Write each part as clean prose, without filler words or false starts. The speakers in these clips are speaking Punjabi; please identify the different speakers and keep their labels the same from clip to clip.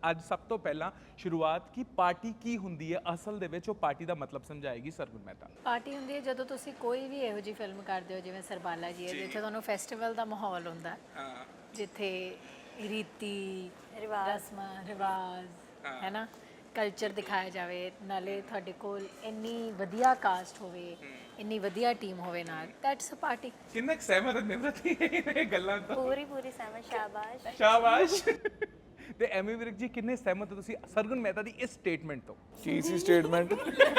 Speaker 1: ਅੱਜ ਸਭ ਤੋਂ ਪਹਿਲਾਂ ਸ਼ੁਰੂਆਤ ਕਿ ਪਾਰਟੀ ਕੀ ਹੁੰਦੀ ਹੈ ਅਸਲ ਦੇ ਵਿੱਚ, ਉਹ ਪਾਰਟੀ ਦਾ ਮਤਲਬ ਸਮਝਾਏਗੀ ਸਰਗੁਣ ਮਹਿਤਾ।
Speaker 2: ਪਾਰਟੀ ਹੁੰਦੀ ਹੈ ਜਦੋਂ ਤੁਸੀਂ ਕੋਈ ਵੀ ਇਹੋ ਜਿਹੀ ਫਿਲਮ ਕਰਦੇ ਹੋ ਜਿਵੇਂ ਸਰਬਾਲਾ ਜੀ ਹੈ, ਜਿੱਥੇ ਤੁਹਾਨੂੰ ਫੈਸਟੀਵਲ ਦਾ ਮਾਹੌਲ ਹੁੰਦਾ, ਜਿੱਥੇ ਰੀਤੀ ਰਸਮਾਂ ਰਿਵਾਜ ਹੈ ਨਾ, ਕਲਚਰ ਦਿਖਾਇਆ ਜਾਵੇ, ਨਾਲੇ ਤੁਹਾਡੇ ਕੋਲ ਇੰਨੀ ਵਧੀਆ ਕਾਸਟ ਹੋਵੇ, ਇੰਨੀ ਵਧੀਆ ਟੀਮ ਹੋਵੇ ਨਾਲ, ਦੈਟਸ ਅ ਪਾਰਟੀ।
Speaker 1: ਕਿੰਨਾ ਸਹਿਮਤ ਹੈ ਨਿਮਰਤੀ ਇਹ ਗੱਲਾਂ ਤੋਂ?
Speaker 3: ਪੂਰੀ ਸਹਿਮਤ। ਸ਼ਾਬਾਸ਼
Speaker 1: ਸ਼ਾਬਾਸ਼। ਤੇ ਐਮੀ ਵਿਰਕ ਜੀ ਕਿੰਨੇ ਸਹਿਮਤ ਹੋ ਤੁਸੀਂ ਸਰਗੁਣ ਮਹਿਤਾ ਦੀ ਇਸ ਸਟੇਟਮੈਂਟ ਤੋਂ?
Speaker 4: ਕੀ ਸੀ ਸਟੇਟਮੈਂਟ?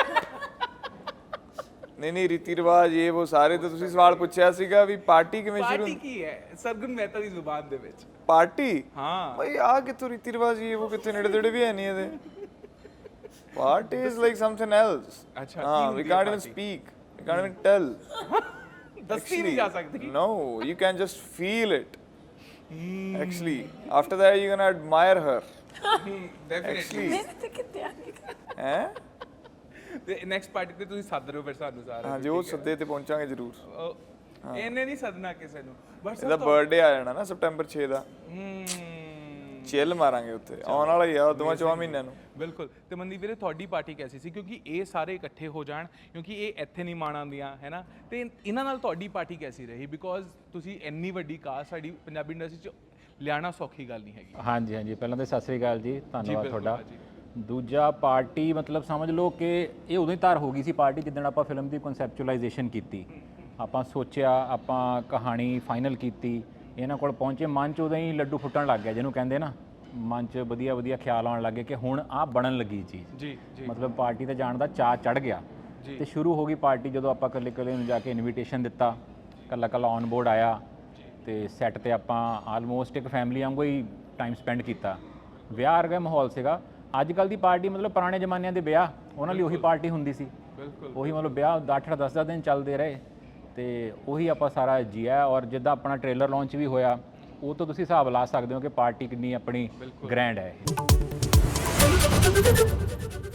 Speaker 4: ਨਹੀਂ ਰੀਤੀ ਰਿਵਾਜ ਇਹ ਉਹ ਸਾਰੇ ਤਾਂ ਤੁਸੀਂ ਸਵਾਲ ਪੁੱਛਿਆ ਸੀਗਾ ਵੀ ਪਾਰਟੀ ਕਿਵੇਂ ਸ਼ੁਰੂ
Speaker 1: ਪਾਰਟੀ ਕੀ ਹੈ ਸਰਗੁਣ ਮਹਿਤਾ ਦੀ ਜ਼ੁਬਾਨ ਦੇ ਵਿੱਚ?
Speaker 4: ਪਾਰਟੀ
Speaker 1: ਹਾਂ
Speaker 4: ਬਈ ਆ ਕਿੱਥੋਂ ਰੀਤੀ ਰਿਵਾਜ ਇਹ ਉਹ ਕਿੱਥੇ ਨੇੜੇ ਤੇੜੇ ਵੀ ਹੈ ਨਹੀਂ ਇਹਦੇ। Party is like something else.
Speaker 1: ਅੱਛਾ,
Speaker 4: ਹਾਂ we can't even speak, we can't even tell.
Speaker 1: ਦੱਸੀ ਨਹੀਂ ਜਾ ਸਕਦੀ।
Speaker 4: No, you can just feel it. Actually, after that you're gonna admire her.
Speaker 1: Definitely.
Speaker 2: ਮੇਰੇ ਤੇ ਕਿੱਥੇ ਆ ਗਈ?
Speaker 4: ਹੈ
Speaker 1: ਤੇ ਨੈਕਸਟ ਪਾਰਟੀ ਤੇ ਤੁਸੀਂ ਸੱਦ ਰਹੇ ਹੋ ਫਿਰ ਸਾਨੂੰ ਸਾਰੇ?
Speaker 4: ਹਾਂ ਜੋ ਸੱਦੇ ਤੇ ਪਹੁੰਚਾਂਗੇ ਜ਼ਰੂਰ।
Speaker 1: ਇਹਨੇ ਨਹੀਂ ਸੱਦਣਾ ਕਿਸੇ ਨੂੰ, ਬਸ
Speaker 4: ਇਹਦਾ ਬਰਥਡੇ ਆ ਜਾਣਾ ਨਾ ਸਪਟੈਂਬਰ 6 ਦਾ। ਚਿੱਲ ਮਾਰਾਂਗੇ ਉੱਥੇ, ਆਉਣ ਵਾਲਾ ਹੀ ਆ ਦੋਵਾਂ ਚੋਂ ਮਹੀਨਿਆਂ ਨੂੰ।
Speaker 1: ਬਿਲਕੁਲ। ਤੇ ਮਨਦੀਪ ਵੀਰੇ ਤੁਹਾਡੀ ਪਾਰਟੀ ਕੈਸੀ ਸੀ, ਕਿਉਂਕਿ ਇਹ ਸਾਰੇ ਇਕੱਠੇ ਹੋ ਜਾਣ, ਕਿਉਂਕਿ ਇਹ ਇੱਥੇ ਨਹੀਂ ਮਾਣ ਆਉਂਦੀਆਂ ਹੈ ਨਾ, ਤੇ ਇਹਨਾਂ ਨਾਲ ਤੁਹਾਡੀ ਪਾਰਟੀ ਕੈਸੀ ਰਹੀ? ਬਿਕੋਜ਼ ਤੁਸੀਂ ਇੰਨੀ ਵੱਡੀ ਕਾਸਟ ਸਾਡੀ ਪੰਜਾਬੀ ਇੰਡਸਟਰੀ 'ਚ ਲਿਆਣਾ ਸੌਖੀ ਗੱਲ ਨਹੀਂ ਹੈਗੀ।
Speaker 5: ਹਾਂਜੀ ਹਾਂਜੀ, ਪਹਿਲਾਂ ਤਾਂ ਸਤਿ ਸ੍ਰੀ ਅਕਾਲ ਜੀ, ਧੰਨਵਾਦ ਤੁਹਾਡਾ। ਦੂਜਾ ਪਾਰਟੀ ਮਤਲਬ ਸਮਝ ਲਓ ਕਿ ਇਹ ਉਦੋਂ ਹੀ ਤਿਆਰ ਹੋ ਗਈ ਸੀ ਪਾਰਟੀ ਜਿੱਦਣ ਆਪਾਂ ਫਿਲਮ ਦੀ ਕਨਸੈਪਚੁਅਲਾਈਜੇਸ਼ਨ ਕੀਤੀ, ਆਪਾਂ ਸੋਚਿਆ, ਆਪਾਂ ਕਹਾਣੀ ਫਾਈਨਲ ਕੀਤੀ, ਇਹਨਾਂ ਕੋਲ ਪਹੁੰਚੇ, ਮਨ 'ਚ ਉਦੋਂ ਹੀ ਲੱਡੂ ਫੁੱਟਣ ਲੱਗ ਗਿਆ, ਜਿਹਨੂੰ ਕਹਿੰਦੇ ਨਾ ਮਨ 'ਚ ਵਧੀਆ ਵਧੀਆ ਖਿਆਲ ਆਉਣ ਲੱਗੇ ਕਿ ਹੁਣ ਆਹ ਬਣਨ ਲੱਗੀ ਚੀਜ਼।
Speaker 1: ਜੀ ਜੀ।
Speaker 5: ਮਤਲਬ ਪਾਰਟੀ ਤੇ ਜਾਣ ਦਾ ਚਾਅ ਚੜ ਗਿਆ ਤੇ ਸ਼ੁਰੂ ਹੋ ਗਈ ਪਾਰਟੀ। ਜਦੋਂ ਆਪਾਂ ਇਕੱਲੇ ਇਕੱਲੇ ਨੂੰ ਜਾ ਕੇ ਇਨਵੀਟੇਸ਼ਨ ਦਿੱਤਾ, ਇਕੱਲਾ ਇਕੱਲਾ ਔਨ ਬੋਰਡ ਆਇਆ ਤੇ ਸੈੱਟ ਤੇ ਆਪਾਂ ਆਲਮੋਸਟ ਇੱਕ ਫੈਮਿਲੀ ਵਾਂਗੂ ਹੀ ਟਾਈਮ ਸਪੈਂਡ ਕੀਤਾ। ਵਿਆਹ ਵਰਗਾ ਮਾਹੌਲ ਸੀਗਾ। ਅੱਜ ਕੱਲ੍ਹ ਦੀ ਪਾਰਟੀ ਮਤਲਬ ਪੁਰਾਣੇ ਜ਼ਮਾਨਿਆਂ ਦੇ ਵਿਆਹ, ਉਹਨਾਂ ਲਈ ਉਹੀ ਪਾਰਟੀ ਹੁੰਦੀ ਸੀ।
Speaker 1: ਬਿਲਕੁਲ।
Speaker 5: ਉਹੀ ਮਤਲਬ ਵਿਆਹ 8-8 10-10 ਦਿਨ ਚੱਲਦੇ ਰਹੇ ਤੇ ਉਹੀ ਆਪਾਂ ਸਾਰਾ ਜੀਆ। ਔਰ ਜਿੱਦਾਂ ਆਪਣਾ ਟ੍ਰੇਲਰ ਲਾਂਚ ਵੀ ਹੋਇਆ, ਉਹ ਤੋਂ ਤੁਸੀਂ ਹਿਸਾਬ ਲਾ ਸਕਦੇ ਹੋ ਕਿ ਪਾਰਟੀ ਕਿੰਨੀ ਆਪਣੀ ਗ੍ਰੈਂਡ ਹੈ ਇਹ।